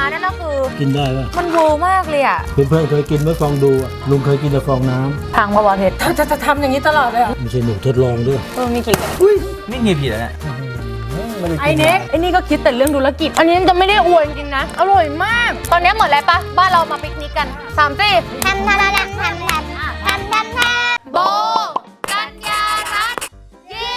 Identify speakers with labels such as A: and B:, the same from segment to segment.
A: นั่นก็คือ
B: กินได้ป่ะ
A: มันโวมากเลยอ่ะ
B: เพื่อนๆเคยกินไหมฟองดูอ่ะลุงเคยกินแต่ฟองน้ำ
A: พังมาวะเพชร
C: จะทำอย่างนี้ตลอดเลยเหรอ
B: ไม่ใช่หนูทดลองด้วย
A: มีกี่
D: ไม่เงียบผิดแล้วเนี่ย
A: ไอ้เน็กไอ้นี่ก็คิดแต่เรื่องธุรกิจอันนี้จะไม่ได้อวยจริงๆนะอร่อยมากตอนนี้หมดแล้วปะบ้านเรามาปิกนิกกัน3 สิ
E: แทมทาราแลมแทมแทมแทมแทมแทม
A: โบกัญญารัตน์เย้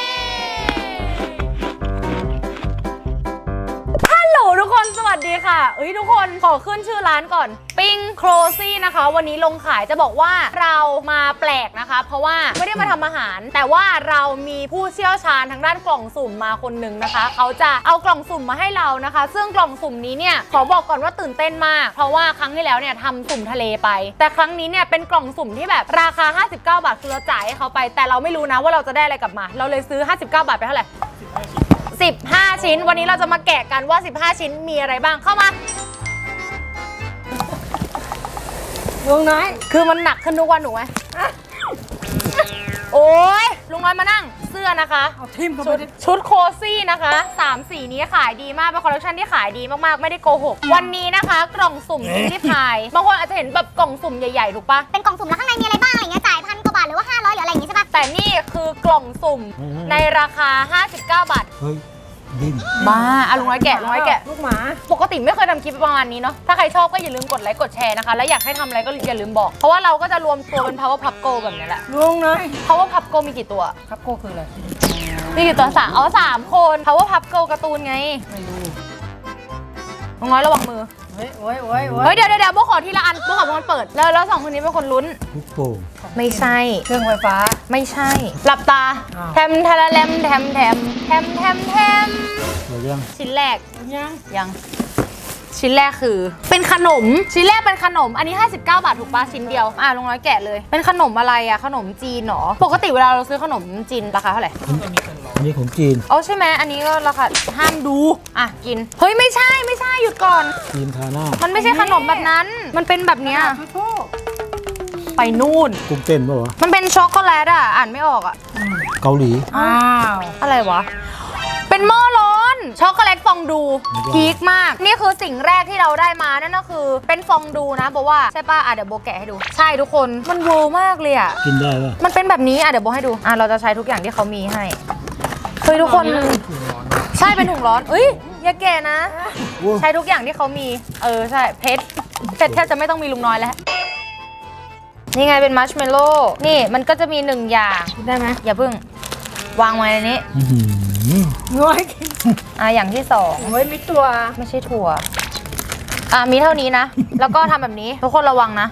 A: ฮัลโหลทุกคนสวัสดีค่ะทุกคนขอขึ้นชื่อร้านก่อนปิ้งโครซี่นะคะวันนี้ลงขายจะบอกว่าเรามาแปลกนะคะเพราะว่าไม่ได้มาทำอาหารแต่ว่าเรามีผู้เชี่ยวชาญทางด้านกล่องสุ่มมาคนหนึ่งนะคะเขาจะเอากล่องสุ่มมาให้เรานะคะซึ่งกล่องสุ่มนี้เนี่ยขอบอกก่อนว่าตื่นเต้นมากเพราะว่าครั้งที่แล้วเนี่ยทำสุ่มทะเลไปแต่ครั้งนี้เนี่ยเป็นกล่องสุ่มที่แบบราคา59 บาทคือเราจ่ายให้เขาไปแต่เราไม่รู้นะว่าเราจะได้อะไรกลับมาเราเลยซื้อ59 บาทไปเท่าไหร่15 ชิ้นวันนี้เราจะมาแกะกันว่า15 ชิ้นมีอะไรบ้างเข้ามา
C: ลุงน้อย
A: คือมันหนักขึ้นทุกวันหนูไหมโอ้ยลุงน้อยมานั่งเสื้อนะคะ
C: เอาทิมเข้าไป
A: ชุดโคซี่นะคะ3 สีนี้ขายดีมากเป็นคอลเลคชันที่ขายดีมากๆไม่ได้โกหกวันนี้นะคะกล่องสุ่มที่พายบางคนอาจจะเห็นแบบกล่องสุ่มใหญ่ๆถูกปะ
E: เป็นกล่องสุ่มแล้วข้างในมีอะไรบ้างอะไรเงี้ยจ่าย1,000 กว่าบาทหรือว่า500หรืออะไรอย่างงี้ใช่ปะ
A: แต่นี่คือกล่องสุ่มในราคา59 บาท
B: เฮ้ยดิ้น
A: บ้าลุงน้อยแกะ
C: ลูกหมา
A: ปกติไม่เคยทำคลิปประมาณนี้เนาะถ้าใครชอบก็อย่าลืมกดไลค์กดแชร์นะคะและอยากให้ทำอะไรก็อย่าลืมบอกเพราะว่าเราก็จะรวมตัวเป็น Power Pup Go แบบนี้แหละ
C: ลุงน้อย
A: Power Pup Go มีกี่ตัว
C: ครับโก้คืออะไร
A: มีกี่ตัว3 คน Power Pup Go การ์ตูนไง
C: ไม่รู้
A: ลุงน้อยระวังมือ
C: เฮ้ย
A: เดี๋ยวโบขอทีละอันโบขอมันเปิดแล้ว2 คนนี้เป็นคนลุ้น
B: ลูกโป่ง
A: ไม่ใช่
C: เครื่องไฟฟ้า
A: ไม่ใช่หลับตาแทมทาราแลมแทมชิ้นแรกยังชิ้นแรกคือเป็นขนมชิ้นแรกเป็นขนมอันนี้59 บาทถูกปะชิ้นเดียวลุงน้อยแกะเลยเป็นขนมอะไรขนมจีนหรอปกติเวลาเราซื้อขนมจีนราคาเท่าไหร่
B: อันนี้ของจีน
A: ใช่ไหมอันนี้ก็ราคาห้ามดูกินเฮ้ยไม่ใช่หยุดก่อน
B: จีนทาหน้า
A: มันไม่ใช่ขนมแบบนั้นมันเป็นแบบเนี้ยไปนู่น
B: กุ้งเต้นป่ะวะ
A: มันเป็นช็อกโกแลตอ่านไม่ออก
B: เกาหลี
A: อะไรวะเป็นหม้อร้อนช็อกโกแลตฟองดูพีคมากนี่คือสิ่งแรกที่เราได้มานั่นก็คือเป็นฟองดูนะโบว่าใช่ป่ะเดี๋ยวโบแกะให้ดูใช่ทุกคนมันโวมากเลย
B: กินได้ป่ะ
A: มันเป็นแบบนี้เดี๋ยวโบให้ดูเราจะใช้ทุกอย่างที่เขามีให้เฮ้ยทุกคนใช่เป็นถุงร้อนอย่าแกะนะใช้ทุกอย่างที่เขามีใช่เพชรแทบจะไม่ต้องมีลุงน้อยแล้วนี่ไงเป็นมัชเมลโล่นี่มันก็จะมี1 อย่าง
C: ได้ไหม
A: อย่าเพิ่งวางไว้ในนี้
C: น้อย
A: อย่างที่2
C: มีตัว
A: ไม่ใช่ถั่วมีเท่านี้นะแล้วก็ทำแบบนี้ทุกคนระวังนะ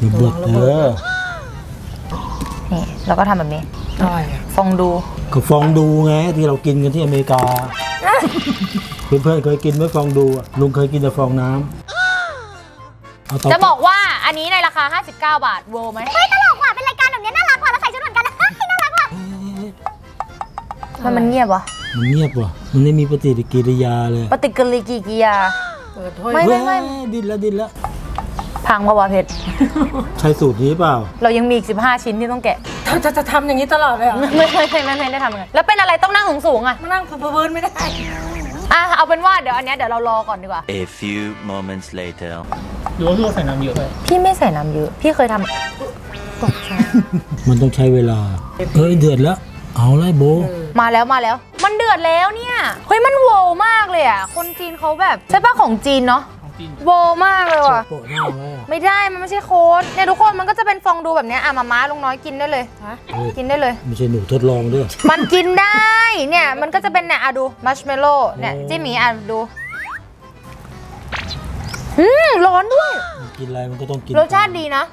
A: นี่แล้วก็ทำแบบนี้ฟองดู
B: ก็ฟองดูไงที่เรากินกันที่อเมริกาเพื่อนๆเคยกินไหมฟองดูลุงเคยกินแต่ฟองน้ำ
A: จะบอกว่าอันนี้ในราคา59 บาทเวิร์ไหม
E: เฮ้ยตลกว่ะเป็นรายการแบบนี้น่ารักว่ะเราใส่ชุดเหมือนกันนะน่ารักว่ะ
A: มันเงียบวะ
B: มันเงียบว่ะมันไม่มีปฏิกิริยาเลย
A: ปฏิกิริยาไม่
B: ดิ้นแล้ว
A: พังมาวะเพชร
B: ใช้สูตรนี้เปล่า
A: เรายังมีอีก15 ชิ้นที่ต้องแกะ
C: จะทำอย่างนี้ตลอดเลยเหรอ
A: ไม่ได้ทำไงแล้วเป็นอะไรต้องนั่งสูง
C: มานั่งพื้นไม่ได้
A: เอาเป็นว่าเดี๋ยวอันนี้เดี๋ยวเรารอก่อนดีกว่า
D: A few moments later
F: หรือว่าพี่ใส่น้ำเยอะเลย
A: พี่ไม่ใส่น้ำเยอะพี่เคยทำ
B: มันต้องใช้เวลาเดือดแล้วเอาเลยโบ
A: มาแล้วมันเดือดแล้วเนี่ยเฮ้ยมันโวมากเลยคนจีนเขาแบบใช่ป่ะของจีนเนาะโวมากเลยว่ะไม่ได้มันไม่ใช่โค้ดเนี่ยทุกคนมันก็จะเป็นฟองดูแบบนี้มาลุงน้อยกินได้เลยกินได้เลย
B: ไม่ใช่หนูทดลองด้วย
A: มันกินได้เนี่ยมันก็จะเป็นเนี่ยดูมัชเมลโล่เนี่ยจิ้มหมีดูร้อนด้วย
B: กินอะไรมันก็ต้องกิน
A: รสชาติดีนะ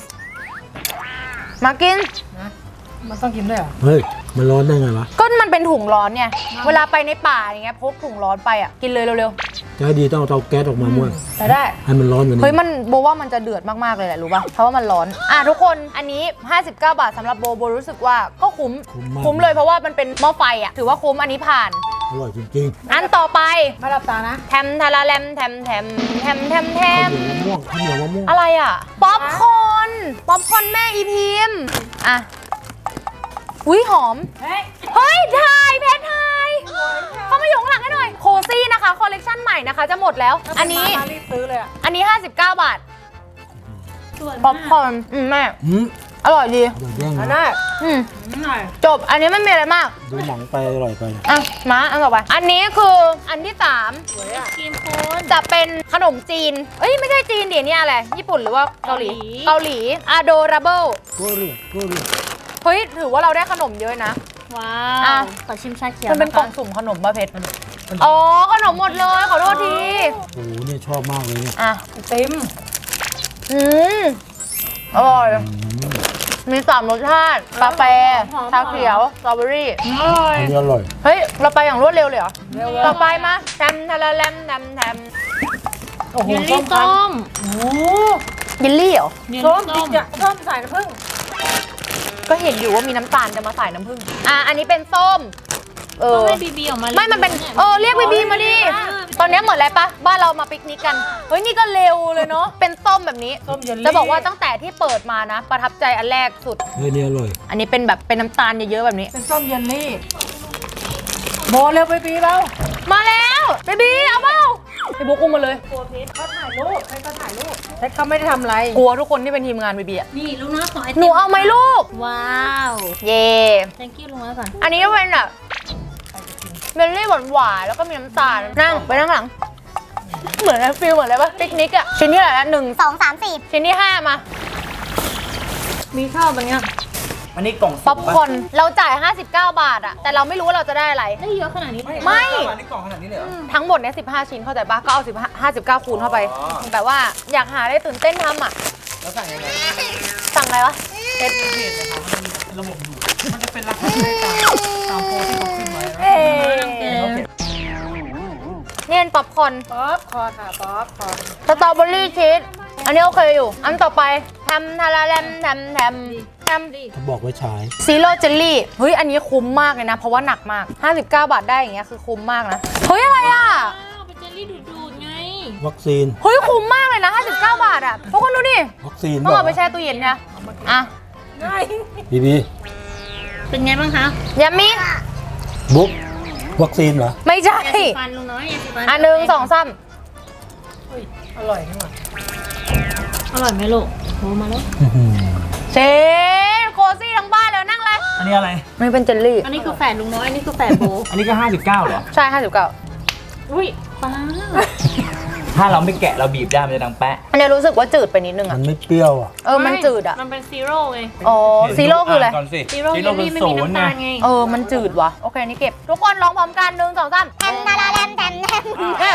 A: มากิน
C: มันต้องกินด้วยเหรอ
B: เฮ้ยมันร้อนได้ไงวะ
A: ก็มันเป็นถุงร้อนเนี่ยเวลาไปในป่าอย่างเงี้ยพกถุงร้อนไปกินเลยเร็ว
B: ๆจะให้ดีต้องเอาเตาแก๊สออกมาม้วน
A: ได้
B: ให้มันร้อนเหมือน
A: เฮ้ยมันโบว่ามันจะเดือดมากๆเลยแหละรู้ป่ะเพราะว่ามันร้อนทุกคนอันนี้59 บาทสำหรับโบรู้สึกว่าก็คุ้มเลยเพราะว่ามันเป็นหม้อไฟถือว่าคุ้มอันนี้ผ่าน
B: อร่อยจริง
A: ๆอันต่อไป
C: ไม่หลับตานะ
A: แทมทาราแลมแทม
B: ข้าวเหนียวมะม่วง
A: อะไรป๊อปคอร์นแม่อีพิมอุ้ยหอมเฮ้ยถ่ายเพชรถ่ายเข้ามาอยู่ข้างหลังให้หน่อยโคซี่นะคะคอลเลกชันใหม่นะคะจะหมดแล้ว อันนี้
C: มารีบซื้อเลยอ่ะ
A: อันนี้ 59 บาทป๊อปคอร์นแม่ อร่อยดี
B: เดี๋ยวแย่ง
C: อัน
B: นะ
C: นั้น
A: อืมจบอันนี้ไม่มีอะไรมาก
B: ดูหนังไปอร่อยไป
A: อ่ะมาอันต่อไปอันนี้คืออันที่
C: สวยอ่ะ
E: ครีมโคน
A: 3 จะเป็นขนมจีนเอ้ยไม่ใช่จีนเดี๋ยวนี้อะไรญี่ปุ่นหรือว่าเกาหลีเกาหลี adorable
B: ก็เรียกก็เรียก
A: เฮ้ยถือว่าเราได้ขนมเยอะนะ
E: ว้า
A: อ่ะ
E: วขอชิมชาเขียว
A: มันเป็นกล่องสุ่มขนมป่ะเพชรอ๋อขนมหมดเลยขอโทษที
B: โอ้โหเนี่ยชอบมากเลยเนี่ย
A: อ่ะ
C: เต็ม
A: อืมอร่อยมี3 รสชาติกาแฟชาเขียวสตรอเบอรี่
B: อันนี้อร่อย
A: เฮ้ยเราไปอย่างรวดเร็วเลยเหรอต่อไปมาแทมทะละแลมแทมแทม
C: โอ้โห
E: เยลลี่ส้ม
C: โอ้โห
A: ยิลลี่เหรอ
E: เยล
C: ส้ม
E: ลี่
C: จริงจ้ะส้มใส่น้ำผึ้ง
A: ก็เห็นอยู่ว่ามีน้ำตาลจะมาใส่น้ำผึ้งอ่ะอันนี้เป็นส้ม
E: ต้องให้บีบีออกมา
A: ไม่มันเป็นเรียกบีบีมาดิตอนนี้เหมือนอะไรปะบ้านเรามาปิกนิกกันเฮ้ยนี่ก็เร็วเลยเนาะเป็นส้มแบบนี้
C: ส้มเยลลี่
A: จะบอกว่าตั้งแต่ที่เปิดมานะ ประทับใจอันแรกสุด
B: เฮ้ยนี่อร่อย
A: อันนี้เป็นแบบเป็นน้ำตาลเยอะๆแบบนี้
C: เป็นส้มเยลลี่โบเร็วไปปีเรา
A: มาแล้วบีบีเอาเปล่าพี่บุ๊กอุ้มมาเลย
C: เขาถ่ายรูปให้เขาถ่ายรูปแต่เขาไม่ได้ทำอะไร
A: กลัวทุกคนที่เป็นทีมงานบีบีอะ
E: นี่ลุงน้อยขอไอติม
A: หนูเอาไหมลูก
E: ว้าว
A: เย่
E: thank you ลุงน้อยก่อน
A: อันนี้ก็เป็นแบบเมลลี่หวานๆแล้วก็มีน้ำตาลนั่งไปนั่งหลัง เหมือนฟิลเหมือนอะไรปะปิกนิกอะชิ้นที่ไหนละ1
E: 2 3 4
A: ชิ้นที่ 5 มา
C: มีข้าวมันเนี้ย
D: อันนี้กล่อง
A: ป๊อปคอร์นเราจ่าย 59 บาทอะแต่เราไม่รู้ว่าเราจะได้อะไร
E: ได้เยอะขนาดนี้เลย
A: ไม่
D: อันนี้กล่องขนาดนี้เลยเหรอ
A: ทั้งหมดเนี่ย15 ชิ้นเข้าใจปะก็เอา59 คูณเข้าไป
D: อ๋อ
A: แบบว่าอยากหาได้ตื่นเต้นทำอะ
D: แล้วสั่งยังไง
A: สั่งอะไรวะเพชร
D: ระบบอยู่มันจะเป็นราคาตามโพสที่เขาขึ้นไว้
A: เอ๊เนี่ยเป็นป๊อปคอร์น
C: ป๊อปคอร์นค่ะป๊อปคอร์น
A: สตรอเบอรี่ชีสอันนี้โอเคอยู่ อันต่อไปแทมทาราแลมแทมแทมแทม
B: เขาบอกไว้ฉาย
A: ซีโร่เจลลี่เฮ้ยอันนี้คุ้มมากเลยนะ เพราะว่าหนักมาก 59 บาทได้อย่างเงี้ยคือคุ้มมากนะ เฮ้ยอะไรอ่ะ
E: อ้าวเป็นเจลลี่ดูดๆไง
B: วัคซีน
A: เฮ้ยคุ้มมากเลยนะ59 บาทอ่ะทุกคนดูดิ
B: วัคซีน
A: ต้องเอาไปแช่ตู้เย็นนะอ่ะ
C: ง่าย
B: บีบี
E: เป็นไงบ้างคะ
A: ยามิ
B: บุ๊กวัคซีนเหรอ
A: ไม่ใช่
E: ยาสีฟันลุงน้อยยาสีฟัน
A: อันหนึ่ง2 3
C: เฮ้ยอร่อยนี่หว่า
E: อร่อยไหมลูกโทรมาแล้ว
A: เชฟโคซี่ทั้งบ้านเลยนั่งเลย
D: อันนี้อะไร
A: มันเป็นเจลลี่
E: อันนี้คือแฝดลุงน้อย อันนี้คือแฝดโบ
D: อันนี้ก็ 59เหรอ
A: ใช่59
E: อุ้ยป้า
D: ถ้าเราไม่แกะเราบีบได้มันจะดังแปะ
A: อันนี้รู้สึกว่าจืดไปนิดนึง
B: มั
A: อ่ะ
B: นไม่เปรี้ยวอ่ะ
A: มันจืดอ่ะ
E: มันเป็นซีโร่ไง
A: อ๋อซีโร่คืออะไร
D: ก่อนสิ
E: ซีโร่เยลลี่ไม่มีน้ำตาลไง
A: มันจืดว่ะ โอเค นี่เก็บ ทุกคนร้องพร้อมกัน1 2 3
E: แทมทาราแลมแทมแทม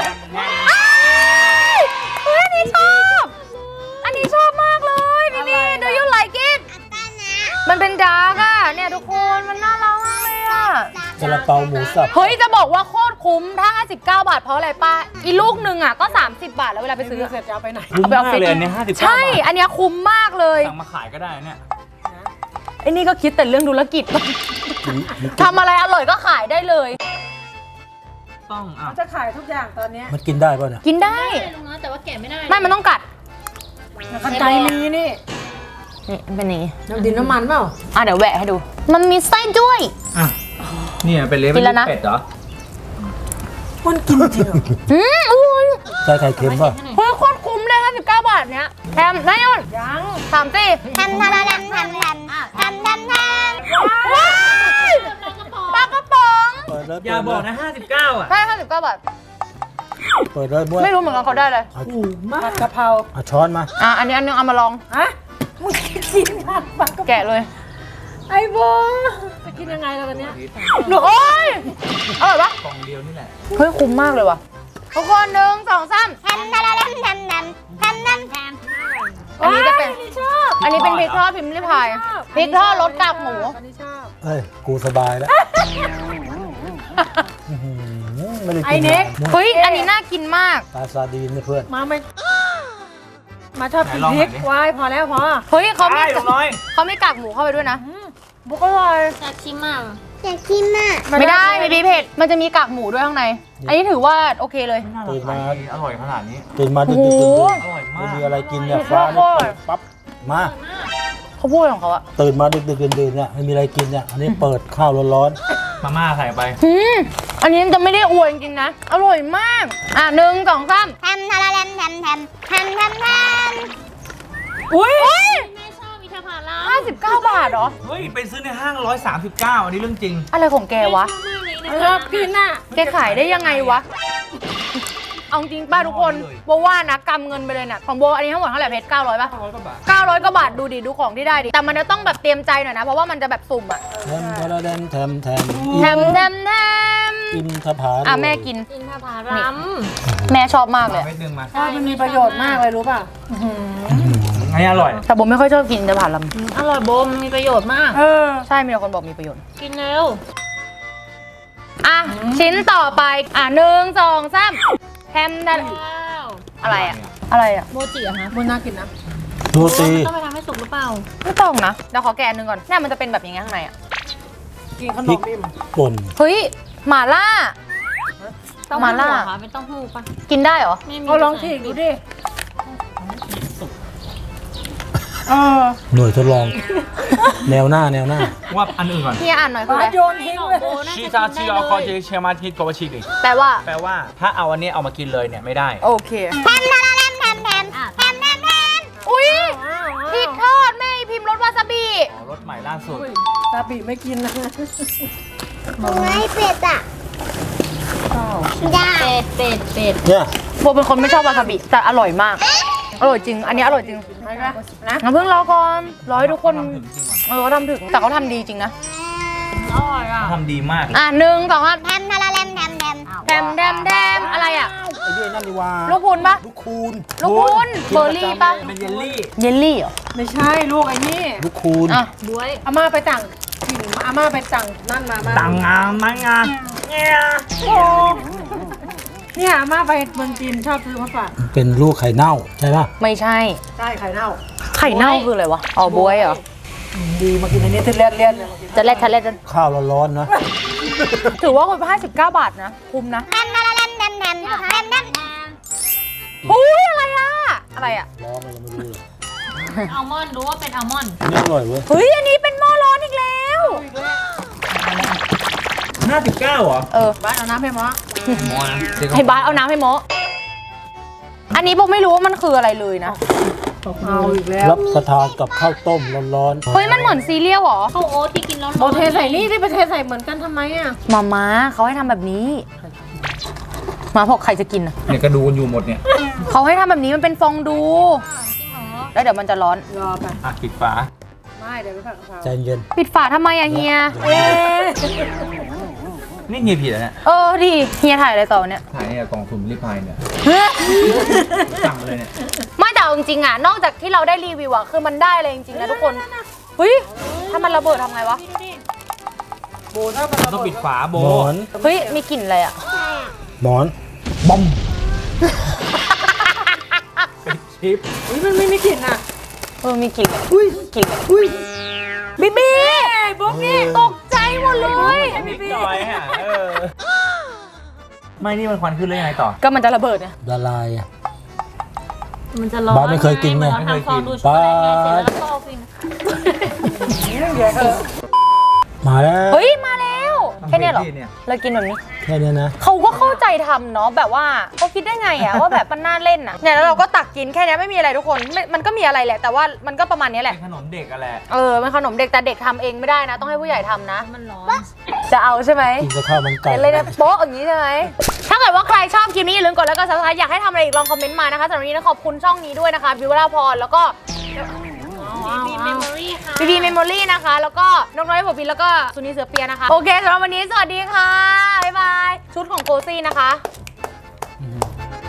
A: เฮ้ยอันนี้ชอบ อันนี้ชอบมากเลยบีบี do you like it มันเป็นดาร์กอ่ะ เนี่ยทุกคนมันน่ารักมากเลยอ่ะ
B: ซาลาเปาหมูสับ
A: เฮ้ย จะบอกว่าโคตรคุ้ม ถ้า 59 บาทเพราะอะไรป้า อีลูกหนึ่งอ่ะก็ 30 บาทแล้วเวลาไปซื้อ
C: เสร็จจะเอาไปไหน
D: คุ้มมากเลยอันนี้59
A: ใช่
D: บาท
A: อันเนี้ยคุ้มมากเลย
D: สั่งมาขายก็ได้เนี่ย
A: ไอ้นี่ก็คิดแต่เรื่องธุรกิจ ทำอะไรอร่อยก็ขายได้เลย
D: ต้องอ่ะ
C: เขาจะขายทุกอย่างตอนเนี้ย
B: มันกินได้ป่ะเนี่ย
A: กินได้
E: ได้ลุงน้อยแต่ว่าแกะไม่ได้
A: ไม่ มันต้องกัด
C: ขันใจมีนี่
A: นี่มันเป็นอย่างงี้
C: น้ำดินน้ำมันเปล่า
A: เดี๋ยวแหวะให้ดู มันมีไส้ด้วย
D: อ่ะเนี่ยเป็นเลเว
A: กิ
D: ล
A: นแล้วนะ
D: เป็ดเหรอ
C: มันกินจริงเหรอ
A: อุ้ย
B: ใส่ไข่เค็มป่ะ
A: เฮ้ยโคตรคุ้มเลย59 บาทเนี้ยแถมนายยน
C: ยัง
A: 3 สิ
E: แทมทาราแลมแทมแทมแทมแทมแทม
A: ว้ายปลากระป๋อง
B: เปิดเลย
D: อย่าบอกนะ59อ่ะ
A: ใช่59 บาท
B: เปิดเลยบ้วย
A: ไม่รู้เหมือนกันเขาได้เลย
C: ถูกมากกะเพรา
B: เอาช้อนมา
A: อันนี้อันนึงเอามาลอง
C: ฮะมึงกินผัดปักกะเพรา
A: แกะเลย
C: ไอ้โบจะกินยังไงล่ะตอนเนี้ย
A: หนูโอ๊ยอร่อยปะ
D: กล่องเดียวนี่แหละ
A: เฮ้ยคุ้มมากเลยว่ะทุกคน1 2 3
E: แทมทาราแลมแทมแทมแทมแทมแทม
A: อันนี้จะเป็น
C: อันนี้ชอบ
A: อันนี้เป็นพริกทอดพิมพ์ริพายพริกทอดรสกากหมู
C: อันนี้ชอบ
B: เอ้ย กูสบายแล้วอื้อหือไม่ได้
C: ไอ้
B: กิน
C: เน็ก
B: นะ
A: เฮ้ย อันนี้น่ากินมาก
B: ปลาซาดีนเนี่ยเพื่อน
C: มาไม่มาชอบกิน
D: ไหนลอง
C: พ
D: หน่
C: ริ
D: อย
C: ก
D: ดิ
C: วายพอแล้วพอ
A: เฮ้ยเขาไม่
D: ไอ้ลุงน้อย
A: เขาไม่กากหมูเข้าไปด้วยนะ
C: บุกอร่อย
E: อยากชิมอ่ะอยากชิมอ่ะ
A: ไม่ได้ไม่มีเผ็ด มันจะมีกากหมูด้วยข้างใน อันนี้ถือว่าโอเคเลย
B: ตื่นมา
D: อร่อยขนาดนี้
B: ตื่นมาดึก
A: โอ้
B: ๆ
A: โห
B: ดื่น
D: อร่อย
B: ๆ
D: มา
B: ไม่
D: ก
B: มีอะไรกินเนี่ย
A: โอ้โห
B: ฟ้าเนี่ยเปิดปั๊บ มา
A: เขาพูดของเขาอะ
B: ตื่นมาดึกๆดื่นๆเนี่ยไม่มีอะไรกินเนี่ย อันนี้เปิดข้าวร้อน
D: มาม่าใส่ไป
A: อืมอันนี้จะไม่ได้อวยจริงๆนะ อร่อยมาก อ่ะ1 2 3
E: แทมทาราแลมแทมแทมแทมแทมแทม
A: อุ้ย
C: แม่ชอบอินทผลัม
A: 59 บาทเหรอ
D: เฮ้ยไปซื้อในห้าง139อันนี้เรื่องจริง
A: อะไรของแกวะ
C: ชอบกินน่ะ
A: แกขายได้ยังไงวะ เอาจริงป้าทุกคน
D: เลย
A: โบว่านะกำเงินไปเลยเนี่ยของโบอันนี้ทั้งหมดเท่าไหร่เพชร900ป่ะ
D: 100 กว่าบาท
A: 900 กว่าบาทดูดิดูของที่ได้ดิ แต่มันจะต้องแบบเตรียมใจหน่อยนะ เพราะว่ามันจะแบบสุ่มอะ
B: แทมทาราแดนแทมแทม
A: แทมแทมแทม
B: อินทผา
A: อ่ะแม่กิน
C: อินทผลัม
A: แม่ชอบมากเลย
D: เม็ดนึงมา
C: ใช่มันมีประโยชน์มากเลยรู้ป่ะ
D: ไงอร่อย
A: แต่โบไม่ค่อยชอบกินแต่ผ่านล
C: อร่อยโบมมีประโยชน์มาก
A: ำใช่มีแต่คนบอกมีประโยชน์
C: กินเร็ว
A: อ่ะ ชิ้นต่อไป อ่ะ1 2 3แฮมดัน
C: ว้าว
A: อะไรอะอะไรอะ
C: โมจิอะฮะ
G: มันน่ากินนะ
B: โรตี
C: ต้องไปทำให้สุกหรือเปล่า
A: ไม่ต้องนะเดี๋ยวขอแกะอันหนึงก่อนเนี่ยมันจะเป็นแบบอย่างเงี้ยข้างในอะ
G: กินขน
B: พริ
G: ม
B: ก
G: อิ่ม
B: ป่น
A: เฮ้ยหม่าล่า
C: ต้อง
A: มาล่า
C: เหรอคะเป็นเต้าหู้ปะ
A: กินได้เหรอ
C: ไม่มี
G: เอาลองฉีกดูดิเออ
B: หน่วยทดลอง แนวหน้าแนวหน้า
D: ว่าอันอื่นก่อน
A: เฮียอ่านหน่อยคือ
G: มา
A: อะไร
G: โยนทิ้ง
C: ของ
G: เลย
C: โบน่า
D: ชี
C: จะ
D: ตา
C: กิ
D: ชี
C: น
D: ออคอ
C: ได้
D: เจ
C: เลย
D: เชมาทิโกวาชิดิ
A: แปลว่า
D: แปลว่าถ้าเอาอันนี้เอามากินเลยเนี่ยไม่ได้
A: โอเค
E: แทมทาราแลมแทมแทมแทมแทมแทม
A: อุ้ยพริกทอดแม่พิมพ์รสวาซาบิ
D: อ๋อรสใหม่ล่าสุด
G: ซาบิไม่กินนะ
E: ไม่เป็ดอ่ะได้
C: เป็ด
B: เนี่ย
A: โบเป็นคนไม่ชอบวาซาบิแต่อร่อยมาก อร่อยจริง อันนี้อร่อยจริง
G: นะ
A: งั้นเพิ่งรอก่อนรอให้ทุกคน
D: ทำถึงจริงว่ะ
A: เขาทำถึงแต่เขาทำดีจริงนะ
C: อร่อยอ่ะ
D: ทำดีมาก
A: อ่ะ1 2 3
E: แทมทาราแลมแทมแทม
A: แดมแดมแดมอะไรอ่ะ
B: ไอ้ด้วยนั่นดีว่า
A: ลูกพุนปะ
B: ลูกคูณ
A: ลูกพุนเบอร์รี่ปะ
D: เป็นเยลลี่
A: เยลลี่เหรอ
G: ไม่ใช่ลูกไอ้นี่
B: ลูกคูณ
A: อ่ะ
C: บ๊วย
G: อาม่าไปต่างถิ่นอาม่าไปต่างนั่นมา
D: ต่างงามไม้งามเนี่ย
G: เนี่ยอาม่าไปเมืองจีนชอบซื้อมาฝาก
B: เป็นลูกไข่เน่าใช่ปะ
A: ไม่ใช่
G: ใช่ไข่เน่า
A: ไข่เน่าคืออะไรวะอ๋อบวยเหรอ
G: ดีมากินอันนี้ที่เลี่ยนๆเลยมากิน
A: จะแลดทะเลจะ
B: ข้าวร้อนๆนะ
A: ถือว่าคน59 บาทนะ คุ้มนะ
E: แทมทาราแลมแทมแทมแทมแทม
A: อุ้ยอะไรอ่ะ อะไรอ่ะ
B: ร้อนอะไรไม่รู้เลย
C: อัลมอนด์รู้ว่าเป็นอัลมอนด์
B: นี่อร่อยเว้ย
A: เฮ้ย อันนี้เป็นหม้อร้อนอีกแล้ว
D: 59เหรอ
A: เออ
G: บ้านเอาน้ำให้หมอ
A: ให้บ้านเอาน้ำให้โมะอันนี้ผมไม่รู้ว่ามันคืออะไรเลยนะ
G: เอาอีกแล้ว
B: รับประทานกับข้าวต้มร้อนๆ
A: เฮ้ย มันเหมือนซีเรียลเหรอ
C: ข้าวโอ๊ตที่กินร้อนๆ
G: โบเทใส่นี่ที่ไปเทใส่เหมือนกันทำไมอ่ะ
A: มาม่าเขาให้ทำแบบนี้ มาบอกใครจะกินอ่ะ
D: เนี่ยก็ดูกันอยู่หมดเนี่ย
A: เขาให้ทำแบบนี้มันเป็นฟองดู แล้วเดี๋ยวมันจะร้อน
G: รอไป
D: อ่ะปิดฝา
G: ไม่เดี๋ยวไปผัดกะเพรา
B: ใจเย็น
A: ปิดฝาทำไมอะเฮีย
D: นี่เงียผิดแล้วเนี่ย
A: เออดิเฮียถ่ายอะไรต่อเนี่ย
D: ถ่ายเนี่ยกล่องสุ่มรีพายเนี่ยสั่งมาเลยเนี่ย
A: ไม่แต่เอาจริงๆอะนอกจากที่เราได้รีวิวอะคือมันได้เลยจริงๆนะทุกคนเฮ้ยถ้ามันระเบิดทำไงวะ
G: โบถ้ามันระ
D: ต้อง
G: เบิ
D: ปิ
G: ด
D: ดฝาโบ
B: หมอน
A: เฮ้ยมีกลิ่นอะไรอะ
B: หมอนบอม
D: เป็นชิป
G: อุ้ยมันไม่มีกลิ่นอ่ะ
A: เออมีกลิ่นกลิ่นบีบีบุ๊กนี่ตกใจหมดเลย
D: นิดหน่อยฮะไม่นี่มันควันขึ้นเลยยังไงต่อ
A: ก็มันจะระเบิดเนี่ย
B: ละลายอะ
C: มันจะร้อน
B: บ้านไม่เคยกินไง
C: เหมือเราทำฟองดูช็อกโกแลตไงเสร็จแล้วก็เอาฟิน
B: มาแล้ว
A: เฮ้ยมาแล้วแค่เนี้ยเหรอ
D: เนี่ย
A: เรากินแบบนี้
B: แค่เนี้ยนะ
A: เขาก็เข้าใจทำเนาะแบบว่าเขาคิดได้ไงอะว่าแบบมันน่าเล่นอะเนี่ยแล้วเราก็ตักกินแค่เนี้ยไม่มีอะไรทุกคนมันก็มีอะไรแหละ แต่ว่ามันก็ประมาณเนี้ยแหละ
D: เป็นขนมเด็กอะแหละ
A: เออมันขนมเด็กแต่เด็กทำเองไม่ได้นะ ต้องให้ผู้ใหญ่ทำนะ
C: มันร้อน
A: จะเอาใช่ไหม
B: กินกับข้าวมันไก่
A: เห็นเลยนะโป๊ะอย่างนี้ใช่ไหมถ้าเกิดว่าใครชอบคลิปนี้อย่าลืมกดแล้วก็ซับสไครต์อยากให้ทำอะไรอีกลองคอมเมนต์มานะคะสำหรับวันนี้นะขอบคุณช่องนี้ด้วยนะคะบิวราพรแล้วก็
C: มีเมมโมรี่ค่ะ
A: บีบีเมมโมรี่นะคะ แล้วก็น้องน้อยผมบินแล้วก็สุนีเสือเปียนะคะโอเคสำหรับวันนี้สวัสดีค่ะบ๊ายบายชุดของโกซี่นะคะ